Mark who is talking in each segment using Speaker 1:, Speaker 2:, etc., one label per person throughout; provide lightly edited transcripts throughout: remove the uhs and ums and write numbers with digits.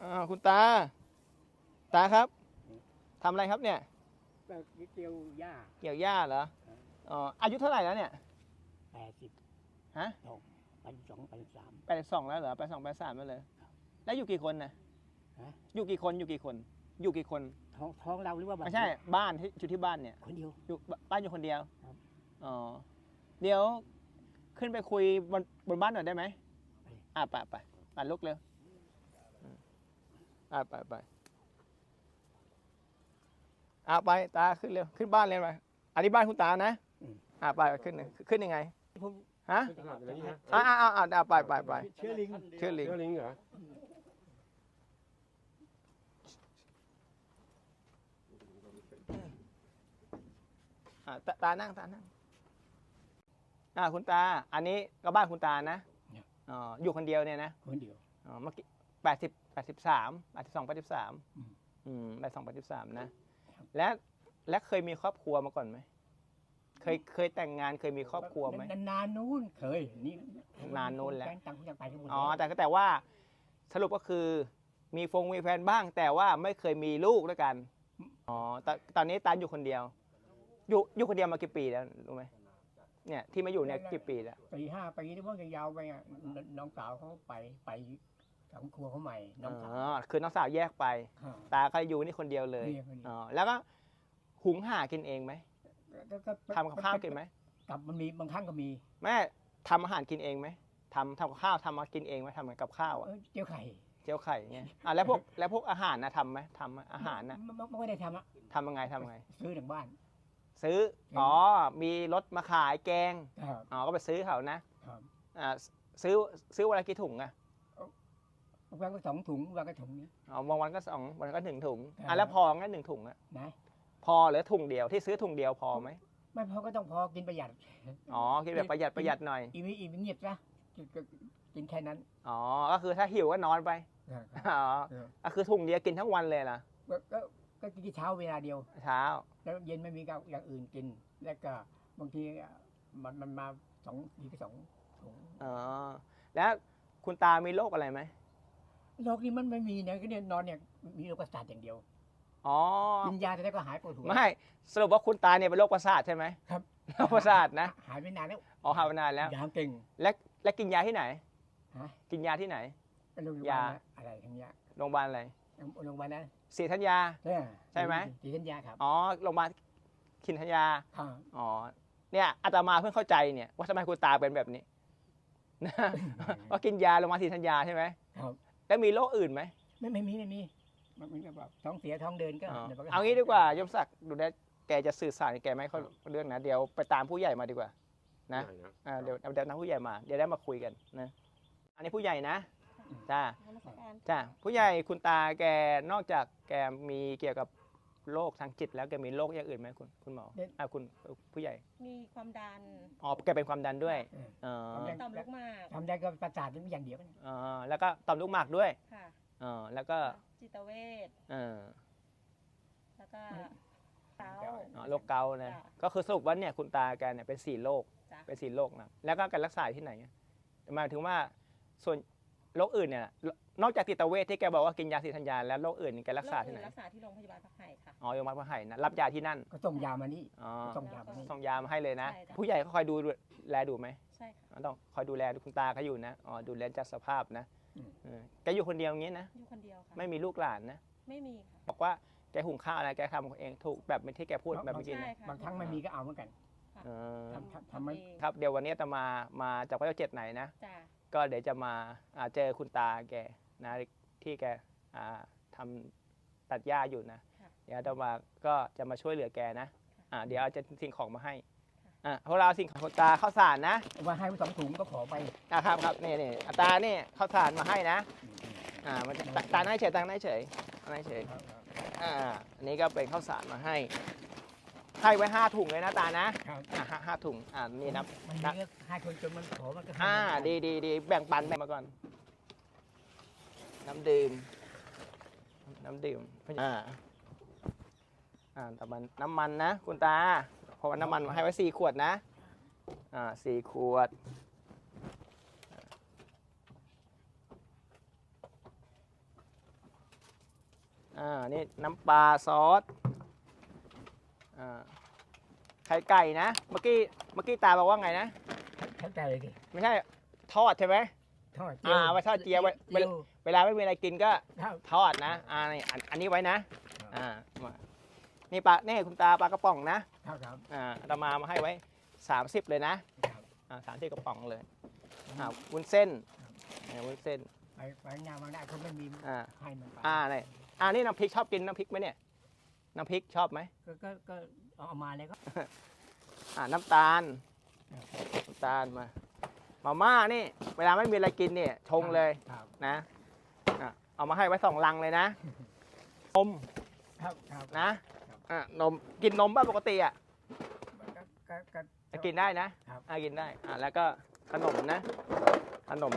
Speaker 1: คุณตาครับทำอะไรครับเนี่ย
Speaker 2: ก็เกี่ยวหญ้า
Speaker 1: เกี่ยวหญ้าเหรออ๋ออายุเท่าไหร่แล้วเนี่ย
Speaker 2: 80
Speaker 1: ฮะ
Speaker 2: 82 83
Speaker 1: 82แล้วเหรอ82 83แล้วเลยแล้วอยู่กี่คนนะอยู่กี่คนอยู่กี่คน
Speaker 2: ท้องเราหรือว่าบ้าน
Speaker 1: ไม่ใช่บ้านที่อยู่ที่บ้านเนี่ย
Speaker 2: คนเดียว
Speaker 1: อยู่บ้านอยู่คนเดียว
Speaker 2: ครับ
Speaker 1: อ๋อเดี๋ยวขึ้นไปคุยบนบ้านหน่อยได้ไหมไปลุกเร็วไปไปตาขึ้นเร็วขึ้นบ้านเลยไปอันนี้บ้านคุณตานะไปขึ้นยังไงฮะไป
Speaker 2: เชื้อลิง
Speaker 1: เหรอตานั่งคุณตาอันนี้ก็บ้านคุณตานะอยู่คนเดียวเนี่ยนะ
Speaker 2: คนเดียว
Speaker 1: เมื่อกี้83 82 83นะและเคยมีครอบครัวมาก่อนไหมเคยแต่งงานเคยมีครอบครัวไหม
Speaker 2: นานนู้นเคยนี่
Speaker 1: นานนู้นแล้ว
Speaker 2: ต่างคนต่างไปทั้งหมด
Speaker 1: แต่ว่าสรุปก็คือมีแฟนบ้างแต่ว่าไม่เคยมีลูกด้วยกันตอนนี้ตาอยู่คนเดียวอยู่คนเดียวมากี่ปีแล้วรู้ไหมเนี่ยที่มาอยู่เนี่ยกี่ปีแล้ว
Speaker 2: 4-5 ปีที่พวกยาวไปน้องสาวเขาไปสองครัวเขาใหม่น้องสาว
Speaker 1: คือน้องสาวแยกไปตาก็อยู่นี่คนเดียวเลยแล้วก็หุงหากินเองไหมทำกับข้าวกินไหม
Speaker 2: กับมันมีบางครั้งก็มี
Speaker 1: แม่ทำอาหารกินเองไหมทำกับข้าวทำมากินเองไหมทำกับข้าว
Speaker 2: เจียวไข่
Speaker 1: เงี้ยแล้วพวกอาหารนะทำไหมทำอาหารนะ
Speaker 2: ไม่ได้ทำ
Speaker 1: ทำยังไง
Speaker 2: ซื้อถึงบ้าน
Speaker 1: ซื้อมีรถมาขายแกงก็ไปซื้อเขานะซื้อวันละกี่ถุงอะ
Speaker 2: วันก็2 ถุงวันก็ถุงนี้
Speaker 1: บางวันก็2 วันก็1 ถุงแล้วพองั้น1 ถุงอะพอหรือถุงเดียวที่ซื้อถุงเดียวพอไหม
Speaker 2: ไม่พอก็ต้องพอกินประหยัด
Speaker 1: กินแบบประหยัดหน่อย
Speaker 2: อีเงียบซะกินแค่นั้น
Speaker 1: ก็คือถ้าหิวก็นอนไปก็คือถุงเดียวกินทั้งวันเลยล่ะ
Speaker 2: ก็กินเช้าเวลาเดียวแล้วเย็นไม่มีอย่างอื่นกินแล้วก็บางทีมันมา2 ทีก็2 ถุง
Speaker 1: แล้วคุณตามีโรคอะไรไหม
Speaker 2: โรคนี้มันไม่มีนะก็เนี่ยนอนเนี่ยมีโรคประสาทอย่างเดียวกินยาแต่ก็หายปวดหัว
Speaker 1: ไม่สรุปว่าคุณตาเนี่ยเป็นโรคประสาทใช่ไหม
Speaker 2: ครับ
Speaker 1: โรคประสาทนะ
Speaker 2: หายไปนานแล้ว
Speaker 1: หายไปนานแล้ว
Speaker 2: ยาเก่ง
Speaker 1: และกินยาที่ไหนกินยาที่ไหน
Speaker 2: ยาอะไรทั้งยา
Speaker 1: โรงพยาบาลอะไร
Speaker 2: โรงพยาบาลนะ
Speaker 1: ศรีธัญญาใช่ไหม
Speaker 2: ศรีธัญญาครับ
Speaker 1: โรงพยาบาลศรีธัญญาเนี่ยอาตมาเพิ่งเข้าใจเนี่ยว่าทำไมคุณตาเป็นแบบนี้ว่ากินยาโรงพยาบาลศรีธัญญาใช่ไหม
Speaker 2: ครับ
Speaker 1: แล้วมีโรคอื่นไหม
Speaker 2: ไม่มีมันเหมือนกับท้องเสียท้องเดินก็
Speaker 1: เอางี้ดีกว่ายมศักดิ์ดูแลแกจะสื่อสารแกไม่ค่อยเรื่องนะเดี๋ยวไปตามผู้ใหญ่มาดีกว่านะเดี๋ยวนักผู้ใหญ่มาเดี๋ยวได้มาคุยกันนะอันนี้ผู้ใหญ่นะจ้าผู้ใหญ่คุณตาแกนอกจากแกมีเกี่ยวกับโรคทางจิตแล้วแกมีโรคอย่างอื่นไหมคุณหมอคุณผู้ใหญ่
Speaker 3: มีความดัน
Speaker 1: แกเป็นความดันด้วย
Speaker 3: ต่อมลูกหมาก
Speaker 2: ความดันก็ประสาทนี่อย่างเดียว
Speaker 1: แล้วก็ต่อมลูกหมากด้วยแล้วก็
Speaker 3: จิตเวชแล้วก็
Speaker 1: โรคเกาต์นะก็คือสรุปว่าเนี่ยคุณตาแกเนี่ยเป็น4 โรคนะแล้วก็การรักษาที่ไหนหมายถึงว่าส่วนโรคอื่นเนี่ยนอกจากจิตเวชที่แกบอกว่ากินยาศรีธัญญาแล้วโรคอื่นแกรักษาที่ไหน
Speaker 3: รักษาที่โรงพยาบาลพระไห่ค่ะ
Speaker 1: โรงพยาบาลพระไห่นะรับยาที่นั่น
Speaker 2: ก็ส่งยามานี่
Speaker 1: ส่งยามาให้เลยนะผู้ใหญ่เขาคอยดูแลดูไหม
Speaker 3: ใช่ค่ะ
Speaker 1: ต้องคอยดูแลคุณตาเขาอยู่นะดูแลจัดสภาพนะแกอยู่คนเดียวอย่างนี้นะ
Speaker 3: อยู่คนเดียวค่ะ
Speaker 1: ไม่มีลูกหลานนะ
Speaker 3: ไม่มีค่ะ
Speaker 1: บอกว่าแกหุงข้าวอะไรแกทำเองถูกแบบที่แกพูดแบบเมื่อกี้
Speaker 2: บางครั้งไม่มีก็เอาเหมือนกัน
Speaker 1: ทำครับเดี๋ยววันนี้จะมาจากพระเจ้า7ไหนนะก็เดี๋ยวจะมาเจอคุณตาแกนะที่แกทำตัดหญ้าอยู่นะเดี๋ยวจะมาช่วยเหลือแกนะเดี๋ยวเอาจะสิ่งของมาให้พวกเราสิ่งของคุณตาข้าวสารนะ
Speaker 2: มาให้2 ถุงก็ขอไป
Speaker 1: ครับนี่ตาเนี่ยข้าวสารมาให้นะตาหน้าเฉยอันนี้ก็เป็นข้าวสารมาให้ไว้5 ถุงเลยนะตานะ5 ถุงนี่นับ
Speaker 2: 5 ถุงจนมันขอมันก็
Speaker 1: ดีแบ่งปันมาก่อนน้ำดื่มแต่มันน้ำมันนะคุณตาเพราะว่าน้ำมันมาให้ไว้4 ขวดนะ4 ขวดนี่น้ำปลาซอสไข่ไก่นะเมื่อกี้ตาบอกว่าไงนะ
Speaker 2: เข้าใจเลยดิ
Speaker 1: ไม่ใช่ทอดใช่ไหม
Speaker 2: ทอด
Speaker 1: ไว้ทอดเจียวไว้
Speaker 2: เจียว
Speaker 1: เวลาไม่มีอะไรกินก็
Speaker 2: ครับ
Speaker 1: ทอดนะนี่อันนี้ไว้นะมานี่ปลานี่คุณตาปลากระป๋องนะครับ
Speaker 2: ครับ
Speaker 1: เรามาให้ไว้ 30เลยนะครับ 30กระป๋องเลยวุ้นเส้นวุ้นเส้น
Speaker 2: ไปงานบางได้เขาไม่มี ให้มันไป
Speaker 1: นี่น้ำพริกชอบกินน้ำพริกไหมเนี่ยน้ำพริกชอบไหม
Speaker 2: ก็เอามาเลยก็
Speaker 1: น้ำตาลมาม่านี่เวลาไม่มีอะไรกินเนี่ยชงเลย
Speaker 2: ครับ
Speaker 1: นะเอามาให้ไว้2 ลังเลยนะนม
Speaker 2: ครับ
Speaker 1: นะนมกินนมป่ะปกติ
Speaker 2: ก็
Speaker 1: กินได้นะครับ กินได้แล้วก็ขนมนะขนม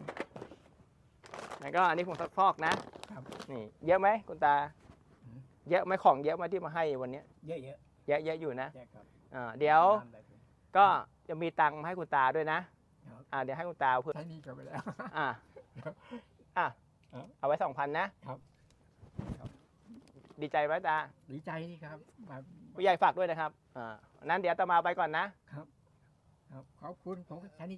Speaker 1: แล้วก็อันนี้ผงซักฟอกนะครับ นี่เยอะไหมคุณตา เยอะไหมของเยอะไหมที่มาให้วันนี้
Speaker 2: เยอะ
Speaker 1: เยอะอยู่นะ
Speaker 2: ครับ
Speaker 1: เดี๋ยวก็จะมีตังค์มาให้คุณตาด้วยนะครับ เดี๋ยวให้คุณตาเพื่อ
Speaker 2: ใช้หนี่ก็ไปแล้ว
Speaker 1: เอาไว้ 2,000นะครับ ดีใจไหมตา
Speaker 2: ดีใจที่ครับแบบ
Speaker 1: ผู้ใหญ่ฝากด้วยนะครับนั้นเดี๋ยวอาตมาไปก่อนนะ
Speaker 2: ครับ ขอบคุณผมใช้หนี่